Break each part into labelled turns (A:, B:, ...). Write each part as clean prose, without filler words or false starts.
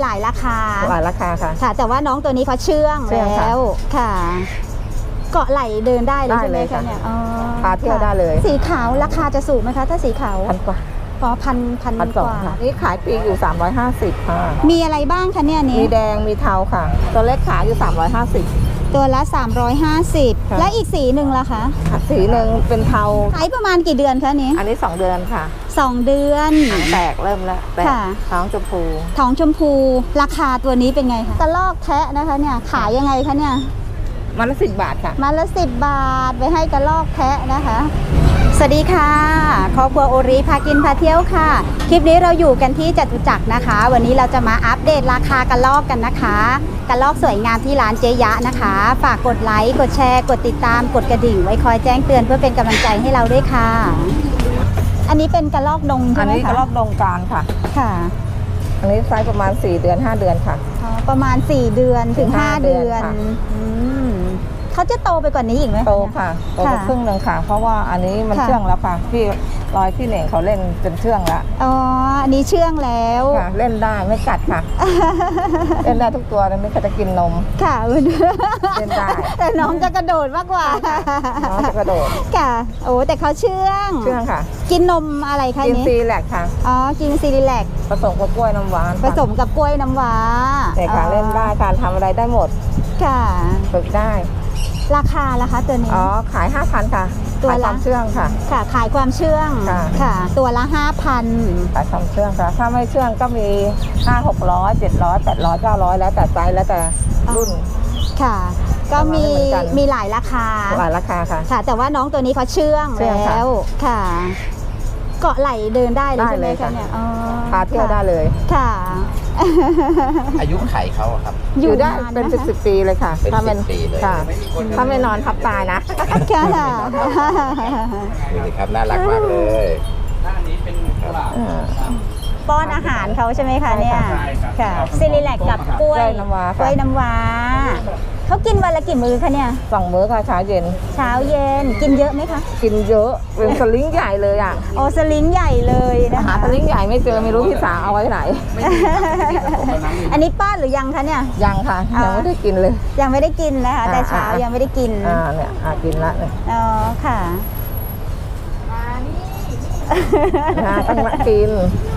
A: หลายราคา
B: ค่ะ
A: ค่ะแต่ว่าน้องตัวนี้เขาเชื่องแล้วค่ะเกาะไหลเดินได้เลยใช่ไหมคะเนี่ย
B: พาเที่ยวได้เลย
A: สีขาวราคาจะสูงไหมคะถ้าสีขาว
B: 1,000 กว่า
A: พันกว่า
B: นี่ขายปีอยู่350ค่ะ
A: มีอะไรบ้างคะเนี่ยนี้
B: มีแดงมีเทาค่ะตัวเล็กขายอยู่350
A: ตัวละ350และอีกสีหนึ่งล่ะคะ
B: สีหนึ่งเป็นเทา
A: ขายประมาณกี่เดือนคะนี้
B: อันนี้2 เดือนค่ะ
A: 2 เดือน
B: แตกเริ่มแล้วแตกท้องชมพู
A: ราคาตัวนี้เป็นไงคะกระลอกแทะนะคะเนี่ยขายยังไงคะเนี่ย
B: มันละ10 บาทค่ะ
A: มันละ10 บาทไปให้กระลอกแทะนะคะสวัสดีค่ะครอบครัวโอริพากินพาเที่ยวค่ะคลิปนี้เราอยู่กันที่จตุจักรนะคะวันนี้เราจะมาอัปเดตราคากระลอกกันนะคะกระลอกสวยงามที่ร้านเจ๊ยะนะคะฝากกดไลค์กดแชร์กดติดตามกดกระดิ่งไว้คอยแจ้งเตือนเพื่อเป็นกำลังใจให้เราด้วยค่ะอันนี้เป็นกระลอกดงใช่ไหมคะ
B: อันนี้กระลอกดงกลางค่ะ
A: ค่ะ
B: อันนี้ไซส์ประมาณ4 เดือน 5 เดือนค่ะ
A: ประมาณ4 เดือนถึง5 เดือนเขาจะโตไปกว่านี้อีกไหม
B: โตค่ะโตไปครึ่งหนึ่งค่ะเพราะว่าอันนี้มันเชื่องแล้วค่ะพี่พี่เหน่งเขาเล่นเป็นเชื่องแล้ว
A: อันนี้เชื่องแล้ว
B: เล่นได้ไม่กัดค่ะเล่นได้ทุกตัวเลยไม่เคยจะกินนม
A: ค่ะ
B: เล่นได้
A: แต่น้องจะกระโดดมากกว่า
B: น้องจะกระโดด
A: ค่ะโอ้แต่เขาเชื่อง
B: ค่ะ
A: กินนมอะไรคะ
B: กินซีแลกค่ะ
A: กินซีแลก
B: ผสมกับกล้วยน้ำว้า
A: ผสมกับกล้วยน้ำว้า
B: แต่ค่ะเล่นได้การทำอะไรได้หมด
A: ค่ะ
B: ฝึกได้
A: ราคาล่ะคะตัวนี้
B: ขาย 5,000 ค่ะ
A: ตัวละ
B: เชื่องค่ะ
A: ขายความเชื่องค่ะตัวละ 5,000
B: ขายความเชื่องค่ะถ้าไม่เชื่องก็มี500 600 700 800 900แล้วแต่ไซส์แล้วแต่รุ่น
A: ค่ะก็มีหลายราคาค่ะแต่ว่าน้องตัวนี้เขาเชื่องแล้วค่ะเกาะไหลเดินได้เลยใช่ไหมคะเนี่ย
B: พาเที่ยวได้เลย
A: ค่ะ
C: อายุไขเขาครับ
B: อยู่ได้เป็น10 ปีเลยค่ะถ้าเป็นค่ะถ้าไม่นอนทับตายนะ
A: ค่ะ
C: ดูสิครับน่ารักมากเลย
A: ป้อนอาหารเขาใช่ไหมคะเนี่ยค่ะซิลิแลกกับกล้วยน้ำว้าเขากินวันละกี่มื้อคะเนี่ย
B: 2 มื้อค่ะเช้าเย็น
A: กินเยอะไหมคะ
B: กินเยอะเป็นสลิงใหญ่เลยอ่ะ
A: สลิงใหญ่เลยนะคะ
B: หาสลิงใหญ่ไม่เจอไม่รู้พี่สาวเอาไว้ไหน
A: อันนี้ป้อนหรือยังคะเนี่ย
B: ยังค่ะยังไม่ได้กินเลย
A: ยังไม่ได้กินนะคะแต่เช้ายังไม่ได้กิน
B: เนี่ยกินละ
A: ค่ะ
B: ต้องมากิน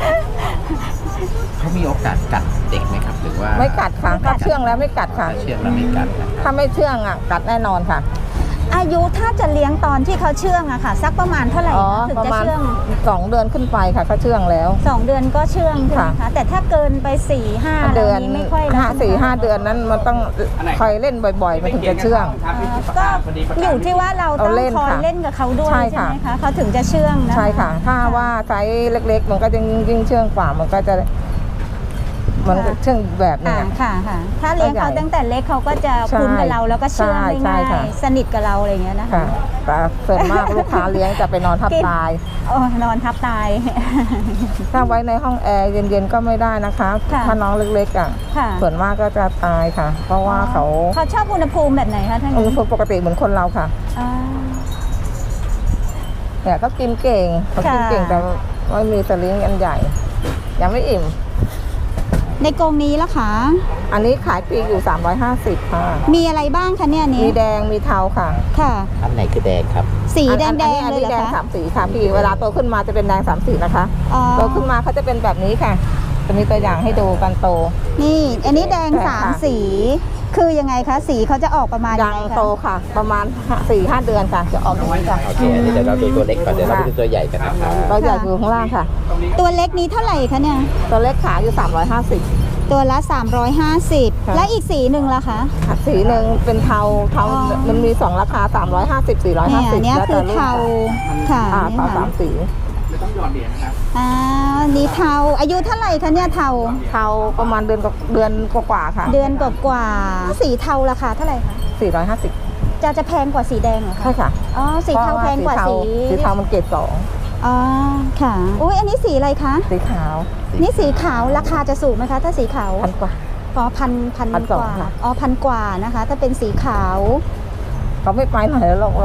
C: เขามีโอกาสกัดเด็กไหมครับหรือว่า
B: ไม่กัดค่ะถ้าเชื่องแล้วไม่กัดค่ะ
C: เชื่องแล้วไม่กัด
B: ถ้าไม่เชื่องกัดแน่นอนค่ะ
A: อายุถ้าจะเลี้ยงตอนที่เขาเชื่องอะค่ะสักประมาณเท่าไหร่ถึงจะเชื่อง
B: 2 เดือนขึ้นไปค่ะเขาเชื่องแล้ว
A: 2 เดือนก็เชื่องใช่ไหมคะแต่ถ้าเกินไป 4-5
B: เดือน
A: ไม่ค่อย
B: 4-5 เดือนนั้นมันต้องคอยเล่นบ่อยๆมันถึงจะเชื่อง
A: ก็อยู่ที่ว่าเราต้องคอยเล่นกับเขาด้วยใช่ไหมคะเขาถึงจะเชื่องนะ
B: ใช่ค่ะถ้าว่าไซส์เล็กๆมันก็จะยิ่งเชื่องกว่ามันก็จะเชื่องแบบนี้
A: ค่ะถ้าเลี้ยงเขาตั้งแต่เล็กเขาก็จะคุ้นกับเราแล้วก็เชื่องง่ายสนิทกับเราอะไรอย่างเงี้ยนะคะ
B: แต่ส่วนมากลูกค้าเลี้ยงจะไปนอนทับตาย
A: นอนทับตาย
B: ถ้าไว้ในห้องแอร์เย็นๆก็ไม่ได้นะคะถ้าน้องเล็กๆส่วนมากก็จะตายค่ะเพราะว่าเขา
A: ชอบอุณหภูมิแบบไหนคะท่าน
B: อุณหภูมิปกติเหมือนคนเราค่ะเนี่ยก็กินเก่งแต่ไม่มีสลิงอันใหญ่ยังไม่อิ่ม
A: ในกรงนี้ล่ะคะ
B: อันนี้ขายปีอยู่350ค่ะ
A: มีอะไรบ้างคะเนี่ยนี้
B: มีแดงมีเทาค่ะ
C: อันไหนคือแดงครับ
A: สีแดงเลย
B: เหรอคะ
A: แดง
B: 3 สีค่ะพี่เวลาโตขึ้นมาจะเป็นแดง3 สีนะคะโตขึ้นมาเขาจะเป็นแบบนี้ค่ะจะมีตัวอย่างให้ดูกันโต
A: นี่อันนี้แดง3 สีคือยังไงคะสีเขาจะออกประมาณ
B: ยังโตค่ะประมาณ 4-5 เดือนค่ะจะออกอย่างนี้ค่ะ
C: โอเคอันนี้เดี๋ยวเราดูตัวเล็กก่อนเดี๋ยวเราดูตัวใหญ่กันนะครับ
B: ตัวใหญ่อยู่ข้างล่างค่ะ
A: ตัวเล็กนี้เท่าไหร่คะเนี่ย
B: ตัวเล็กขายอยู่350
A: ตัวละ350และอีกสีหนึ่งล่ะคะ
B: สีหนึ่งเป็นเทามันมี2 ราคา350 450
A: เนี่ยคือเทาค่ะ
B: เทา3 สี
C: ต้องหยอดเหรียญนะครับ
A: นี่เทาอายุเท่าไหร่คะเนี่ยเทา
B: ประมาณเดือนกว่าค่ะ
A: เดือนกว่าสีเทาราคาเท่าไหร่คะ
B: 450
A: จะแพงกว่าสีแดงเหรอคะ
B: ใช่ค่ะ
A: สีเทาแพงกว่าสี
B: เทามันเกรด2
A: ค่ะอุ้ยอันนี้สีอะไรคะ
B: สีขาว
A: นี่สีขาวราคาจะสูงไหมคะถ้าสีขาว
B: 1,000 กว่า
A: พันกว่า1,000 กว่านะคะถ้าเป็นสีขาว
B: เขาไม่ไปไหนแล้วเรา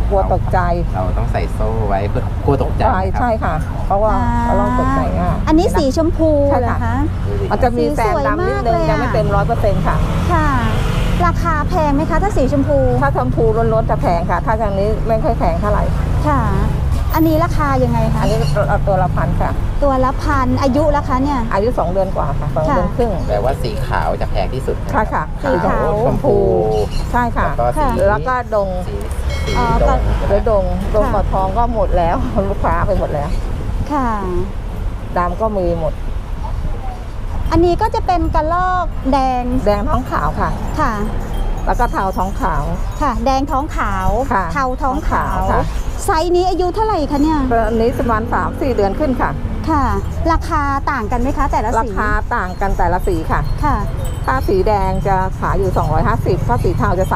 B: กลัวตกใจ
C: เราต้องใส่โซ่ไว้เพื่อกลัวตกใจครับ
B: ใช่ค่ะ เพราะว่ากระรอกตกใจง่าย
A: อันนี้สีชมพู
B: ใช่
A: เหรอ
B: ค่ะ
A: คะ
B: มันจะมีแซมดำนิดนึง
A: สีสวยมากเลยอะ
B: ยังไม่เต็ม100%ค่ะ
A: ค่ะ ราคาแพงไหมคะถ้าสีชมพู
B: ถ้าชมพูล้วนๆจะแพงค่ะ ถ้าอย่างนี้ไม่ค่อยแพงเท่าไหร่
A: ค่ะ อันนี้ราคายังไงคะ
B: อันนี้เอาตัวละ1,000ค่ะ
A: ตัวละพันอายุละคะเนี่ย
B: อายุ2 เดือนกว่าค่ะ2 เดือนครึ่ง
C: แต่ว่าสีขาวจะแพงที่สุด
B: ค่ะค่ะ
A: สีขาว
C: ชมพู
B: ใช่ค่ะ
C: แล้วก็สี
B: แล้วก็ดง
C: สี
A: อ๋อ
C: ดง
B: หรือดงกอดทองก็หมดแล้ว ลูกค้าไปหมดแล้ว
A: ค่ะ
B: ดำก็มีหมด
A: อันนี้ก็จะเป็นกระลอกแดง
B: แดงท้องขาวค่ะ
A: ค่ะ
B: แล้วก็เทาท้องขาว
A: ค่ะ แดงท้องขาว
B: ค่ะ
A: เทาท้องขาว
B: ค่ะ
A: ไซส์นี้อายุเท่าไหร่คะเนี่ย
B: อันนี้ประมาณ3-4 เดือนขึ้นค่ะ
A: ค่ะ ราคาต่างกันไหมคะแต่ละ
B: รา
A: สี
B: คาต่างกันแต่ละสีค่ะ
A: ค่ะ
B: ถ้าสีแดงจะขายอยู่250ถ้าสีเทาจะ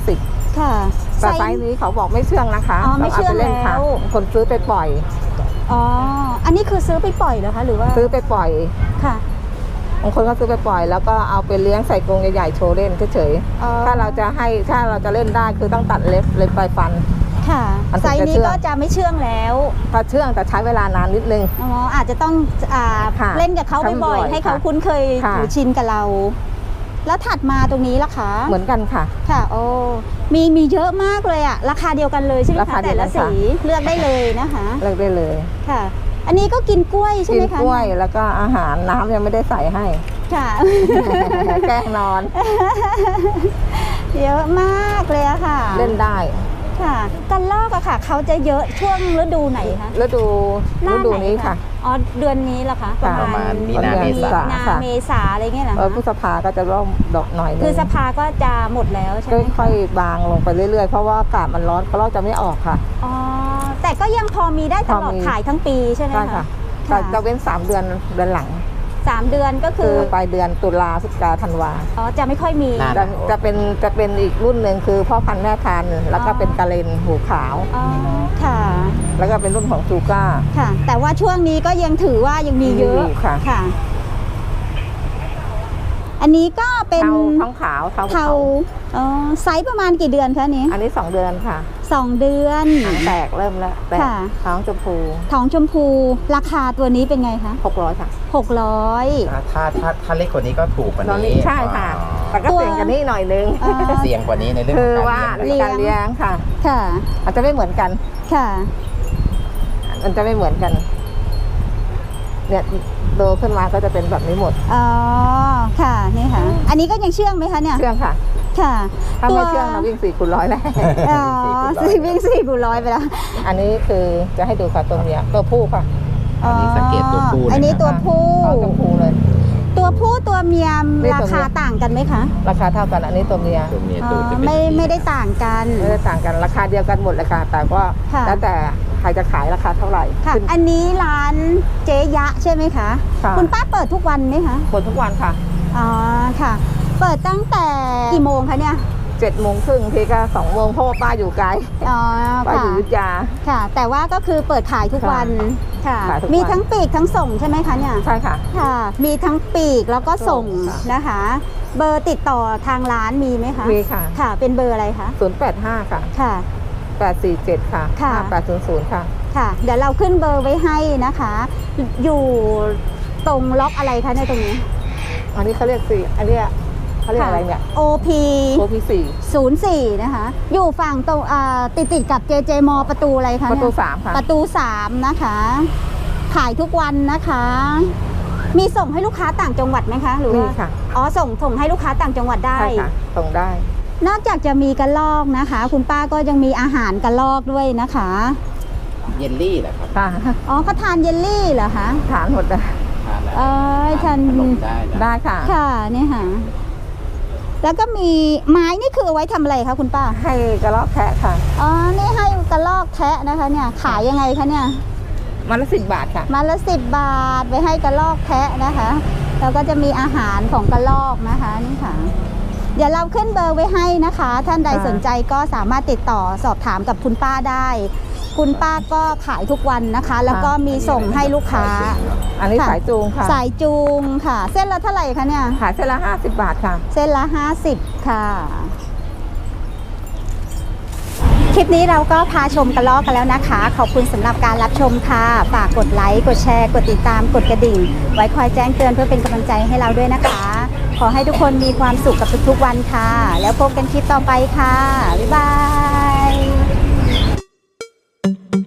B: 350
A: ค่ะ
B: แต่ไซส์นี้เขาบอกไม่เชื่องนะคะ
A: อ๋อไม่เชื่อง
B: าปล่นค่ะ
A: แล้ว
B: คนซื้อไปปล่อย
A: อ๋อ อันนี้คือซื้อไปปล่อยเหรอคะหรือว่า
B: ซื้อไปปล่อย
A: ค่ะ
B: บางคนก็ซื้อไปปล่อย แล้วก็เอาไปเลี้ยงใส่กรงใหญ่ๆโชว์เล่นเฉย
A: อ๋อ
B: ๆถ้าเราจะเล่นได้คือต้องตัดเล็บปลายฟัน
A: ค่ะ
B: มันถึง
A: ไซส์
B: จะ
A: นี้
B: เชื่อง
A: ก็จะไม่เชื่องแล้ว
B: ถ้าเชื่องแต่ใช้เวลานานนิดนึง
A: อ๋อ อาจจะต้อง
B: ค่ะ
A: เล่นกับเขา
B: ทำบ่
A: บ่อ
B: อย ย
A: ๆให้เขา
B: ค่ะ
A: คุ้นเคย
B: ค่ะ
A: หรือชินกับเรา แล้วถัดมาตรงนี้ล่ะคะ
B: เหมือนกันค่ะ
A: ค่ะ โอ้ มีเยอะมากเลยอะราคาเดียวกันเลยใช่ไหม
B: ราคา
A: คะ
B: เดี
A: แต่
B: ยวกั
A: ละ
B: น
A: สี
B: ค่ะ
A: เลือกได้เลยนะคะ
B: เลือกได้เลย
A: ค่ะ อันนี้ก็กินกล้วยใช่
B: กิ
A: ไหม
B: น
A: คะ
B: กล้วยแล้วก็อาหารน้ำยังไม่ได้ใส่ให้
A: ค่ะ
B: แกล้งนอน
A: เยอะมากเลยอะค่ะ
B: เล่นได้
A: ค่ะกันลอกอะค่ะ เขาจะเยอะช่วงฤดูไหนคะ
B: ฤดู
A: หน้า
B: ฤดู
A: ไห
B: นี้ค่ะ
A: อ๋อ เดือนนี้เหรอคะ
B: ค่ะ
C: ประมาณมีนา
B: ประมาณ
C: เมษา
A: มีนา
B: ค่ะ
A: เมษาอะไรเงี้ยเหรอคะ
B: พฤษภาก็จะเริ่มดอกหน่อยนึง
A: คือสภาก็จะหมดแล้วใช่ไหม
B: ค่อยๆบางลงไปเรื่อยๆ เพราะว่าอากาศมันร้อนกระรอกจะไม่ออกค่ะ
A: อ๋อ แต่ก็ยังพอมีได้ตลอด
B: พอมี
A: ขายทั้งปีใช่ไหม
B: ใช่
A: คะ
B: ค่ะแต่จะเว้น3 เดือนหลัง
A: 3 เดือนก็คื
B: คือ อปลายเดือนตุลาพฤศจิกาธันวา
A: อ๋อ จะไม่ค่อยมี
C: น่า
B: จะเป็นอีกรุ่นหนึ่งคือพ่อพันธุ์แม่พันธุ์แล้วก็เป็นกะเลนหูขาว
A: อ๋อ ค่ะ
B: แล้วก็เป็นรุ่นของซูก้า
A: ค่ะ แต่ว่าช่วงนี้ก็ยังถือว่ายังมีเยอะ
B: มีอยู่ค่ะ
A: ค่ะ อันนี้ก็เป็น
B: เทาท้องขาวเทาภู
A: เทา
B: เขา
A: อ๋อไซส์ประมาณกี่เดือนคะอันนี้
B: อันนี้2 เดือนค่ะ
A: 2 เดือน
B: หางแตกเริ่มแล้วแตก
A: ค่ะ
B: ท้องชมพู
A: ท้องชมพู ราคาตัวนี้เป็นไงคะ
B: 600ค่ะ
A: 600
C: ถ้าเล็กกว่านี้ก็ถูกกว่า
B: ตอน
C: นี้
B: นี้ใช่ค่ะ แต่ก็
A: ตัว
B: เสี่ยงกันนี่หน่อยนึง
A: อ๋อ
C: เสี่ยงกว่านี้ในเรื่อง
B: คื
C: ข
B: อ
C: อง
B: ว่า
C: การ
B: ใน
C: เลี้ยง
B: การเลี้ยงค่ะ
A: ค่ะ
B: มันจะไม่เหมือนกัน
A: ค่ะ
B: มันจะไม่เหมือนกัน เนี่ยโตขึ้นมาก็จะเป็นแบบนี้หมด
A: อ๋อ ค่ะ นี่ค่ะ อันนี้ก็ยังเชื่องไหมคะเนี่ย
B: เชื่องค่ะ
A: ค่ะ
B: ถ้าไม่เชื่องเราวิ่ง4 คูณ 100แล้ว
A: อ๋อวิ่ง4 x 100ไปแล้ว
B: อันนี้คือจะให้ดูค่ะตัวเมียตัวผู้ค่ะ
C: อันนี้สังเกตตัวผู้
A: อันนี้ตัวผู้
B: ท้องชมพูเลย
A: ตัวผู้ตัวเมีย
B: นี่
A: รา
B: ตัวเมีย
A: คาต่างกันไหมคะ
B: ราคาเท่ากันอันนี้ตัวเมีย
C: ตัวเมีย
A: อ๋
C: ตูด
A: อ
C: จะเป็น
A: ไม่ได้ต่างกัน
B: ไม่ได้ต่างกันราคาเดียวกันหมดเลยค่ะ แต่ว่า
A: ค่ะ
B: แล้วแต่ใครจะขายราคาเท่าไหร่
A: ค่ะ
B: ขึ้น
A: อันนี้ร้านเจ๊ยะใช่ไหมคะ
B: ค่ะ
A: คุณป้าเปิดทุกวันไหมคะ
B: หมดทุกวันค่ะ
A: อ๋อ ค่ะ เปิดตั้งแต่กี่โมงคะเนี่ย
B: 7:30ทีก็2 โมงเพราะว่าป้าอยู่ไกล
A: อ๋อ
B: ป้าอ
A: ค่ะ
B: ยู่อยุธยา
A: ค่ะ แต่ว่าก็คือเปิดขายทุกวัน ค่ะ
B: ขายทุกวัน
A: มีทั้งปีกทั้งส่งใช่ไหมคะเนี่ย
B: ใช่ค่ะ
A: ค่ะ มีทั้งปีกแล้วก็ส่ง
B: ค่ะ
A: นะคะ เบอร์ติดต่อทางร้านมีไหมคะ
B: มีค่ะ
A: ค่ะ เป็นเบอร์อะไรคะ
B: 085 ค่ะ
A: ค่ะ
B: 847 ค่ะ
A: ค่ะ
B: 5800 ค่ะ
A: ค่ะ เดี๋ยวเราขึ้นเบอร์ไว้ให้นะคะ อยู่ตรงล็อกอะไรคะในยตรงนี้
B: อันนี้เขาเรียกอันเนี้ยเขาเรียกอะไรเนี่ย
A: OP
B: โอพีสี่
A: 04 นะคะ อยู่ฝั่งตรงติดกับ JJ มประตูอะไรคะ
B: ประตู
A: เนี่ย
B: 3 ค่ะ
A: ประตู 3 นะคะ ขายทุกวันนะคะ มีส่งให้ลูกค้าต่างจังหวัดไหมคะ หรือ
B: มี
A: ว่า
B: ค่ะ
A: อ๋อ ส่งให้ลูกค้าต่างจังหวัดได้
B: ใช่ค่ะส่งได้
A: นอกจากจะมีกระลอกนะคะ คุณป้าก็ยังมีอาหารกระลอกด้วยนะคะ
C: เยลลี่แหละครับ
B: ค่ะ
A: อ๋อเขาทานเยลลี่เหรอคะ
B: ฐานหมดเลย
C: ทานแล้ว
A: เอ้ยฉัน
C: ขนมได้นะ
B: ได้ค่ะ
A: ค่ะนี่ค่ะ แล้วก็มีไม้นี่คือเอาไว้ทำอะไรคะคุณป้า
B: ให้กระรอกแพะค่ะ
A: อ๋อ นี่ให้กระลอกแทะนะคะ เนี่ย ขายยังไงคะเนี่ย
B: มันละ10 บาทค่ะ
A: มาละ10 บาทไปให้กระลอกแทะนะคะ แล้วก็จะมีอาหารของกระลอกนะคะนี่ค่ะ เดี๋ยวเราขึ้นเบอร์ไว้ให้นะคะ ท่านใด
B: ค่ะ
A: สนใจก็สามารถติดต่อสอบถามกับคุณป้าได้ คุณป้าก็ขายทุกวันนะคะ แล้วก็มีส่งให้ลูกค้า
B: อันนี้
A: ค่ะ
B: สายจูงค่ะ
A: สายจูงค่ะ เส้นละเท่าไหร่คะเนี่ย
B: ขายเส้นละ50 บาทค่ะ
A: เส้นละ50ค่ะคลิปนี้เราก็พาชมกระรอกกันแล้วนะคะ ขอบคุณสำหรับการรับชมค่ะ ฝากกดไลค์กดแชร์กดติดตามกดกระดิ่ง ไว้คอยแจ้งเตือนเพื่อเป็นกำลังใจให้เราด้วยนะคะ ขอให้ทุกคนมีความสุขกับทุกๆวันค่ะ แล้วพบกันคลิปต่อไปค่ะบ๊ายบาย